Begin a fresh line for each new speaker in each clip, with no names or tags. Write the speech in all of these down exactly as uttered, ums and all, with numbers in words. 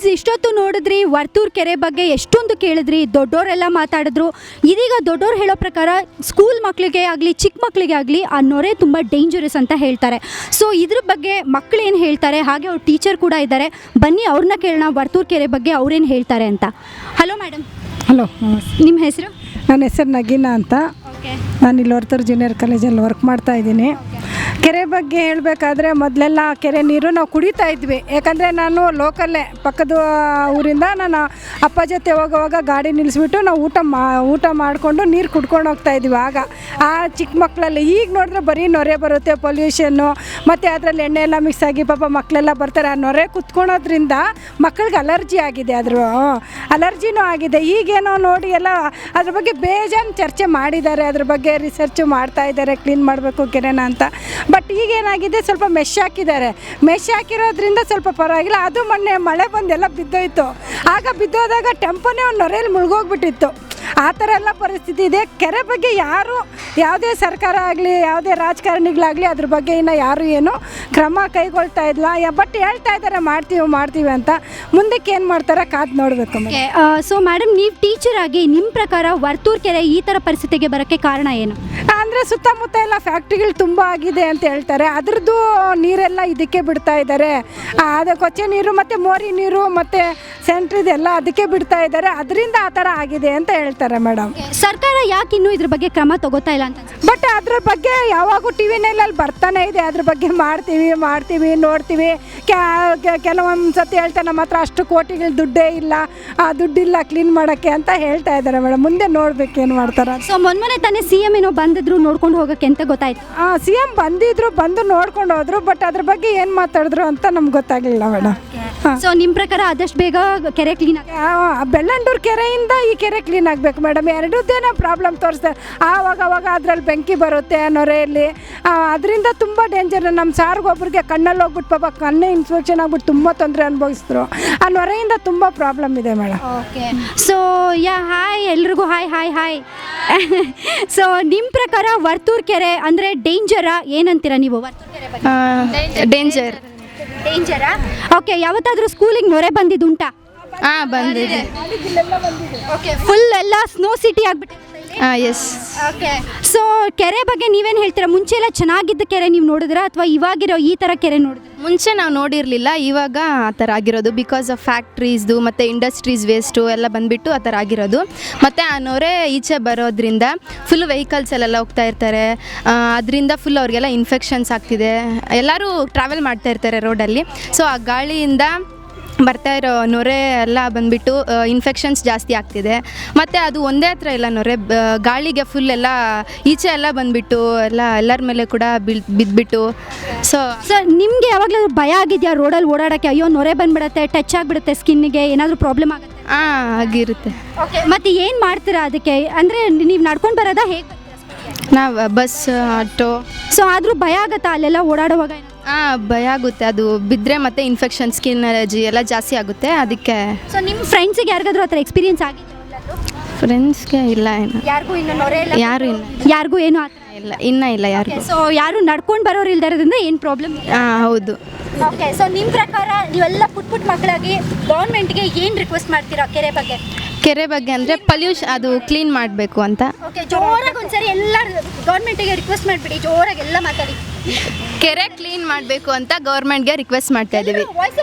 Kids ಇಷ್ಟೊತ್ತು ನೋಡಿದ್ರಿ ವರ್ತೂರ್ ಕೆರೆ ಬಗ್ಗೆ ಎಷ್ಟೊಂದು ಕೇಳಿದ್ರಿ, ದೊಡ್ಡೋರೆಲ್ಲ ಮಾತಾಡಿದ್ರು. ಇದೀಗ ದೊಡ್ಡೋರು ಹೇಳೋ ಪ್ರಕಾರ ಸ್ಕೂಲ್ ಮಕ್ಕಳಿಗೆ ಆಗಲಿ ಚಿಕ್ಕ ಮಕ್ಕಳಿಗೆ ಆಗಲಿ ಆ ನೊರೆ ತುಂಬ ಡೇಂಜರಸ್ ಅಂತ ಹೇಳ್ತಾರೆ. ಸೊ ಇದ್ರ ಬಗ್ಗೆ ಮಕ್ಕಳು ಏನು ಹೇಳ್ತಾರೆ, ಹಾಗೆ ಅವ್ರ ಟೀಚರ್ ಕೂಡ ಇದ್ದಾರೆ, ಬನ್ನಿ ಅವ್ರನ್ನ ಕೇಳೋಣ ವರ್ತೂರ್ ಕೆರೆ ಬಗ್ಗೆ ಅವ್ರೇನು ಹೇಳ್ತಾರೆ ಅಂತ. Hello madam.
ಹಲೋ,
ನಿಮ್ಮ ಹೆಸರು?
ನನ್ನ ಹೆಸರು ನಗೀನಾ ಅಂತ.
ಓಕೆ.
ನಾನು ಇಲ್ಲಿ ವರ್ತೂರು ಜೂನಿಯರ್ ಕಾಲೇಜಲ್ಲಿ ವರ್ಕ್ ಮಾಡ್ತಾ ಇದ್ದೀನಿ. ಕೆರೆ ಬಗ್ಗೆ ಹೇಳಬೇಕಾದ್ರೆ ಮೊದಲೆಲ್ಲ ಕೆರೆ ನೀರು ನಾವು ಕುಡಿತಾ ಇದ್ವಿ. ಯಾಕಂದರೆ ನಾನು ಲೋಕಲ್ಲೇ ಪಕ್ಕದ ಊರಿಂದ ನಾನು ಅಪ್ಪ ಜೊತೆ ಹೋಗೋವಾಗ ಗಾಡಿ ನಿಲ್ಲಿಸ್ಬಿಟ್ಟು ನಾವು ಊಟ ಮಾ ಊಟ ಮಾಡಿಕೊಂಡು ನೀರು ಕುಡ್ಕೊಂಡು ಹೋಗ್ತಾ ಇದ್ವಿ ಆಗ ಆ ಚಿಕ್ಕ ಮಕ್ಕಳಲ್ಲಿ. ಈಗ ನೋಡಿದ್ರೆ ಬರೀ ನೊರೆ ಬರುತ್ತೆ, ಪೊಲ್ಯೂಷನ್ನು, ಮತ್ತು ಅದರಲ್ಲಿ ಎಣ್ಣೆ ಎಲ್ಲ ಮಿಕ್ಸ್ ಆಗಿ ಪಾಪ ಮಕ್ಕಳೆಲ್ಲ ಬರ್ತಾರೆ. ಆ ನೊರೆ ಕುತ್ಕೊಳೋದ್ರಿಂದ ಮಕ್ಕಳಿಗೆ ಅಲರ್ಜಿ ಆಗಿದೆ, ಅದ್ರ ಅಲರ್ಜಿನೂ ಆಗಿದೆ. ಈಗೇನೋ ನೋಡಿ ಎಲ್ಲ ಅದ್ರ ಬಗ್ಗೆ ಬೇಜಾನ್ ಚರ್ಚೆ ಮಾಡಿದ್ದಾರೆ, ಅದ್ರ ಬಗ್ಗೆ ರಿಸರ್ಚು ಮಾಡ್ತಾ ಇದ್ದಾರೆ, ಕ್ಲೀನ್ ಮಾಡಬೇಕು ಕೆರೆನ ಅಂತ. ಬಟ್ ಈಗೇನಾಗಿದೆ, ಸ್ವಲ್ಪ ಮೆಶ್ ಹಾಕಿದ್ದಾರೆ. ಮೆಶ್ ಹಾಕಿರೋದ್ರಿಂದ ಸ್ವಲ್ಪ ಪರವಾಗಿಲ್ಲ. ಅದು ಮೊನ್ನೆ ಮಳೆ ಬಂದೆಲ್ಲ ಬಿದ್ದೋಯ್ತು. ಆಗ ಬಿದ್ದೋದಾಗ ಟೆಂಪೋನೇ ಒಂದು ನೊರೆಯಲ್ಲಿ ಮುಳುಗೋಗ್ಬಿಟ್ಟಿತ್ತು. ಆ ಥರ ಎಲ್ಲ ಪರಿಸ್ಥಿತಿ ಇದೆ. ಕೆರೆ ಬಗ್ಗೆ ಯಾರು, ಯಾವುದೇ ಸರ್ಕಾರ ಆಗಲಿ ಯಾವುದೇ ರಾಜಕಾರಣಿಗಳಾಗಲಿ ಅದ್ರ ಬಗ್ಗೆ ಇನ್ನು ಯಾರು ಏನು ಕ್ರಮ ಕೈಗೊಳ್ತಾ ಇಲ್ಲ. ಬಟ್ ಹೇಳ್ತಾ ಇದ್ದಾರೆ ಮಾಡ್ತೀವಿ ಮಾಡ್ತೀವಿ ಅಂತ. ಮುಂದಕ್ಕೆ ಏನು ಮಾಡ್ತಾರೆ ಕಾದು ನೋಡಬೇಕು.
ಸೊ ಮೇಡಮ್, ನೀವು ಟೀಚರ್ ಆಗಿ ನಿಮ್ಮ ಪ್ರಕಾರ ವರ್ತೂರ್ ಕೆರೆ ಈ ಥರ ಪರಿಸ್ಥಿತಿಗೆ ಬರೋಕ್ಕೆ ಕಾರಣ ಏನು?
ಅಂದರೆ ಸುತ್ತಮುತ್ತ ಎಲ್ಲ ಫ್ಯಾಕ್ಟ್ರಿಗಳು ತುಂಬ ಆಗಿದೆ ಅಂತ ಹೇಳ್ತಾರೆ. ಅದ್ರದ್ದು ನೀರೆಲ್ಲ ಇದಕ್ಕೆ ಬಿಡ್ತಾ ಇದ್ದಾರೆ. ಅದು ಕೊಚ್ಚೆ ನೀರು ಮತ್ತು ಮೋರಿ ನೀರು ಮತ್ತು ಸೆಂಟ್ರಿದೆಲ್ಲ ಅದಕ್ಕೆ ಬಿಡ್ತಾ ಇದ್ದಾರೆ. ಅದರಿಂದ ಆ ಥರ ಆಗಿದೆ ಅಂತ ಹೇಳ್ತಾರೆ ಮೇಡಮ್.
ಸರ್ಕಾರ ಯಾಕೆ ಇನ್ನೂ ಇದ್ರ ಬಗ್ಗೆ ಕ್ರಮ ತಗೋತಾ ಇಲ್ಲ ಅಂತ?
ಬಟ್ ಅದ್ರ ಬಗ್ಗೆ ಯಾವಾಗೂ ಟಿ ವಿನಲ್ಲಿ ಬರ್ತಾನೆ ಇದೆ. ಅದ್ರ ಬಗ್ಗೆ ಮಾಡ್ತೀವಿ ಮಾಡ್ತೀವಿ ನೋಡ್ತೀವಿ. ಕೆಲವೊಂದು ಸತಿ ಹೇಳ್ತಾರೆ ನಮ್ಮ ಹತ್ರ ಅಷ್ಟು ಕೋಟಿಗಳು ದುಡ್ಡೇ ಇಲ್ಲ, ಆ ದುಡ್ಡಿಲ್ಲ ಕ್ಲೀನ್ ಮಾಡೋಕ್ಕೆ ಅಂತ ಹೇಳ್ತಾ ಇದ್ದಾರೆ ಮೇಡಮ್. ಮುಂದೆ ನೋಡ್ಬೇಕು ಏನು ಮಾಡ್ತಾರೆ.
ಸೊ ಮೊನ್ನೆ ತಾನೇ ಸಿ ಎಮ್ ಏನೋ ಬಂದಿದ್ರು ನೋಡ್ಕೊಂಡು ಹೋಗೋಕ್ಕೆ ಅಂತ ಗೊತ್ತಾಯ್ತು.
ಹಾಂ, ಸಿ ಎಮ್ ಬಂದಿದ್ರು, ಬಂದು ನೋಡ್ಕೊಂಡು ಹೋದ್ರು. ಬಟ್ ಅದ್ರ ಬಗ್ಗೆ ಏನು ಮಾತಾಡಿದ್ರು ಅಂತ ನಮ್ಗೆ ಗೊತ್ತಾಗಲಿಲ್ಲ ಮೇಡಮ್.
ಸೊ ನಿಮ್ಮ ಪ್ರಕಾರ ಆದಷ್ಟು ಬೇಗ ಕೆರೆ ಕ್ಲೀನ್ ಆಗಿ
ಬೆಳ್ಳಂಡೂರು ಕೆರೆಯಿಂದ ಈ ಕೆರೆ ಕ್ಲೀನ್ ಆಗಬೇಕು ಮೇಡಮ್. ಎರಡದ್ದೇನೋ ಪ್ರಾಬ್ಲಮ್ ತೋರಿಸ್ತಾರೆ. ಆವಾಗ ಅವಾಗ ಅದರಲ್ಲಿ ಬೆಂಕಿ ಬರುತ್ತೆ ನೊರೆಯಲ್ಲಿ. ಅದರಿಂದ ತುಂಬ ಡೇಂಜರ್. ನಮ್ಮ ಸಾರ್ಗೊಬ್ರಿಗೆ ಕಣ್ಣಲ್ಲಿ ಹೋಗ್ಬಿಟ್ಟು ಪಾಪ ಕಣ್ಣೇ ಇನ್ಫೆಕ್ಷನ್ ಆಗ್ಬಿಟ್ಟು ತುಂಬ ತೊಂದರೆ ಅನುಭವಿಸಿದ್ರು. ಆ ನೊರೆಯಿಂದ ತುಂಬ ಪ್ರಾಬ್ಲಮ್ ಇದೆ madam.
Okay. So yeah hi ಎಲ್ರಿಗೂ ಹಾಯ್ ಹಾಯ್ ಹಾಯ್. ಸೊ ನಿಮ್ಮ ಪ್ರಕಾರ ವರ್ತೂರ್ ಕೆರೆ ಅಂದರೆ ಡೇಂಜರಾ ಏನಂತೀರಾ ನೀವು? ವರ್ತೂರ್ ಕೆರೆ ಬಗ್ಗೆ
ಡೇಂಜರ್
ಡೇಂಜರಾ? ಓಕೆ. ಯಾವತ್ತಾದರೂ ಸ್ಕೂಲಿಗೆ ನೊರೆ ಬಂದಿದ್ದುಂಟಾ?
ಹಾಂ, ಬಂದಿದೆ.
ಓಕೆ. ಫುಲ್ ಎಲ್ಲ ಸ್ನೋ ಸಿಟಿ ಆಗಿಬಿಟ್ಟಿದೆ.
ಹಾಂ, ಎಸ್.
ಓಕೆ. ಸೊ ಕೆರೆ ಬಗ್ಗೆ ನೀವೇನು ಹೇಳ್ತೀರಾ? ಮುಂಚೆ ಎಲ್ಲ ಚೆನ್ನಾಗಿದ್ದ ಕೆರೆ ನೀವು ನೋಡಿದ್ರಾ ಅಥವಾ ಇವಾಗಿರೋ ಈ ಥರ ಕೆರೆ ನೋಡಿದ್ರೆ?
ಮುಂಚೆ ನಾವು ನೋಡಿರಲಿಲ್ಲ, ಇವಾಗ ಆ ಥರ ಆಗಿರೋದು. ಬಿಕಾಸ್ ಆಫ್ ಫ್ಯಾಕ್ಟ್ರೀಸ್ದು ಮತ್ತು ಇಂಡಸ್ಟ್ರೀಸ್ ವೇಸ್ಟು ಎಲ್ಲ ಬಂದುಬಿಟ್ಟು ಆ ಥರ ಆಗಿರೋದು. ಮತ್ತು ಆ ನೊರೆ ಈಚೆ ಬರೋದ್ರಿಂದ ಫುಲ್ ವೆಹಿಕಲ್ಸಲ್ಲೆಲ್ಲ ಹೋಗ್ತಾ ಇರ್ತಾರೆ. ಅದರಿಂದ ಫುಲ್ ಅವ್ರಿಗೆಲ್ಲ ಇನ್ಫೆಕ್ಷನ್ಸ್ ಆಗ್ತಿದೆ. ಎಲ್ಲರೂ ಟ್ರಾವೆಲ್ ಮಾಡ್ತಾ ಇರ್ತಾರೆ ರೋಡಲ್ಲಿ. ಸೊ ಆ ಗಾಳಿಯಿಂದ ಬರ್ತಾ ಇರೋ ನೊರೆ ಎಲ್ಲ ಬಂದುಬಿಟ್ಟು ಇನ್ಫೆಕ್ಷನ್ಸ್ ಜಾಸ್ತಿ ಆಗ್ತಿದೆ. ಮತ್ತು ಅದು ಒಂದೇ ಹತ್ರ ಇಲ್ಲ, ನೊರೆ ಗಾಳಿಗೆ ಫುಲ್ ಎಲ್ಲ ಈಚೆ ಎಲ್ಲ ಬಂದುಬಿಟ್ಟು ಎಲ್ಲ ಎಲ್ಲರ ಮೇಲೆ ಕೂಡ ಬಿಲ್ ಬಿದ್ದುಬಿಟ್ಟು. ಸೊ
ಸರ್, ನಿಮಗೆ ಯಾವಾಗಲೂ ಭಯ ಆಗಿದೆಯಾ ರೋಡಲ್ಲಿ ಓಡಾಡೋಕ್ಕೆ? ಅಯ್ಯೋ ನೊರೆ ಬಂದುಬಿಡುತ್ತೆ, ಟಚ್ ಆಗಿಬಿಡುತ್ತೆ ಸ್ಕಿನ್ನಿಗೆ, ಏನಾದರೂ ಪ್ರಾಬ್ಲಮ್ ಆಗುತ್ತೆ?
ಹಾಂ, ಆಗಿರುತ್ತೆ.
ಓಕೆ. ಮತ್ತು ಏನು ಮಾಡ್ತೀರಾ ಅದಕ್ಕೆ? ಅಂದರೆ ನೀವು ನಡ್ಕೊಂಡು ಬರೋದಾ, ಹೇಗೆ?
ನಾವು ಬಸ್, ಆಟೋ.
ಸೊ ಆದರೂ ಭಯ ಆಗುತ್ತಾ ಅಲ್ಲೆಲ್ಲ ಓಡಾಡುವಾಗ?
ಹಾಂ, ಭಯ ಆಗುತ್ತೆ. ಅದು ಬಿದ್ದರೆ ಮತ್ತೆ ಇನ್ಫೆಕ್ಷನ್, ಸ್ಕಿನ್ ಅಲರ್ಜಿ ಎಲ್ಲ ಜಾಸ್ತಿ ಆಗುತ್ತೆ, ಅದಕ್ಕೆ.
ಸೊ ನಿಮ್ಮ ಫ್ರೆಂಡ್ಸಿಗೆ ಯಾರಿಗಾದ್ರೂ ಆ ಥರ ಎಕ್ಸ್ಪೀರಿಯನ್ಸ್ ಆಗಿದೆ?
ಫ್ರೆಂಡ್ಸ್ಗೆ ಇಲ್ಲ, ಏನು
ಯಾರಿಗೂ ಇನ್ನೂ ನೊರೆ ಇಲ್ಲ?
ಯಾರು ಇಲ್ಲ,
ಯಾರಿಗೂ ಏನೂ ಆ ಥರ
ಇಲ್ಲ, ಇನ್ನೂ ಇಲ್ಲ ಯಾರಿಗೂ.
ಸೊ ಯಾರು ನಡ್ಕೊಂಡು ಬರೋರು ಇಲ್ದಿರೋದ್ರಿಂದ ಏನು ಪ್ರಾಬ್ಲಮ್?
ಹಾಂ, ಹೌದು.
ಓಕೆ. ಸೊ ನಿಮ್ಮ ಪ್ರಕಾರ ನೀವೆಲ್ಲ ಪುಟ್ ಪುಟ್ ಮಕ್ಕಳಾಗಿ ಗೌರ್ಮೆಂಟ್ಗೆ ಏನು ರಿಕ್ವೆಸ್ಟ್ ಮಾಡ್ತೀರಾ ಕೆರೆ ಬಗ್ಗೆ?
ಕೆರೆ ಬಗ್ಗೆ ಅಂದರೆ ಪಲ್ಯೂಷನ್, ಅದು ಕ್ಲೀನ್ ಮಾಡಬೇಕು ಅಂತ.
ಓಕೆ. ಜೋರಾಗಿ ಒಂದ್ಸರಿ ಎಲ್ಲ ಗೌರ್ಮೆಂಟಿಗೆ ರಿಕ್ವೆಸ್ಟ್ ಮಾಡಿಬಿಡಿ, ಜೋರಾಗಿ ಎಲ್ಲ ಮಾತಾಡಿ.
ಕೆರೆ ಕ್ಲೀನ್ ಮಾಡಬೇಕು ಅಂತ ಗೌರ್ಮೆಂಟ್ಗೆ ರಿಕ್ವೆಸ್ಟ್ ಮಾಡ್ತಾ ಇದ್ದೀವಿ.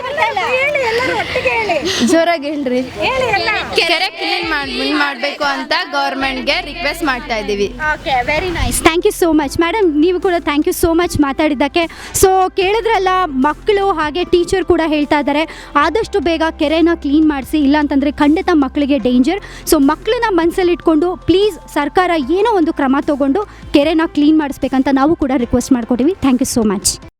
ಜೋರಾಗಿ ಹೇಳ್ರಿ. ಕೆರೆ ಕ್ಲೀನ್ ಮಾಡಿ ಮಾಡಬೇಕು ಅಂತ ಗೌರ್ಮೆಂಟ್ಗೆ ರಿಕ್ವೆಸ್ಟ್ ಮಾಡ್ತಾ ಇದ್ದೀವಿ.
Okay, very nice. Thank you so much madam. ನೀವು ಕೂಡ ಥ್ಯಾಂಕ್ ಯು ಸೋ ಮಚ್ ಮಾತಾಡಿದ್ದಕ್ಕೆ. ಸೊ ಕೇಳಿದ್ರಲ್ಲ, ಮಕ್ಕಳು ಹಾಗೆ ಟೀಚರ್ ಕೂಡ ಹೇಳ್ತಾ ಇದ್ದಾರೆ ಆದಷ್ಟು ಬೇಗ ಕೆರೆನ ಕ್ಲೀನ್ ಮಾಡಿಸಿ, ಇಲ್ಲ ಅಂತಂದರೆ ಖಂಡಿತ ಮಕ್ಕಳಿಗೆ ಡೇಂಜರ್. ಸೊ ಮಕ್ಕಳನ್ನ ಮನಸ್ಸಲ್ಲಿ ಇಟ್ಕೊಂಡು ಪ್ಲೀಸ್ ಸರ್ಕಾರ ಏನೋ ಒಂದು ಕ್ರಮ ತಗೊಂಡು ಕೆರೆನ ಕ್ಲೀನ್ ಮಾಡಿಸ್ಬೇಕಂತ ನಾವು ಕೂಡ ರಿಕ್ವೆಸ್ಟ್ ಮಾಡ್ಕೊತೀವಿ. Thank you so much.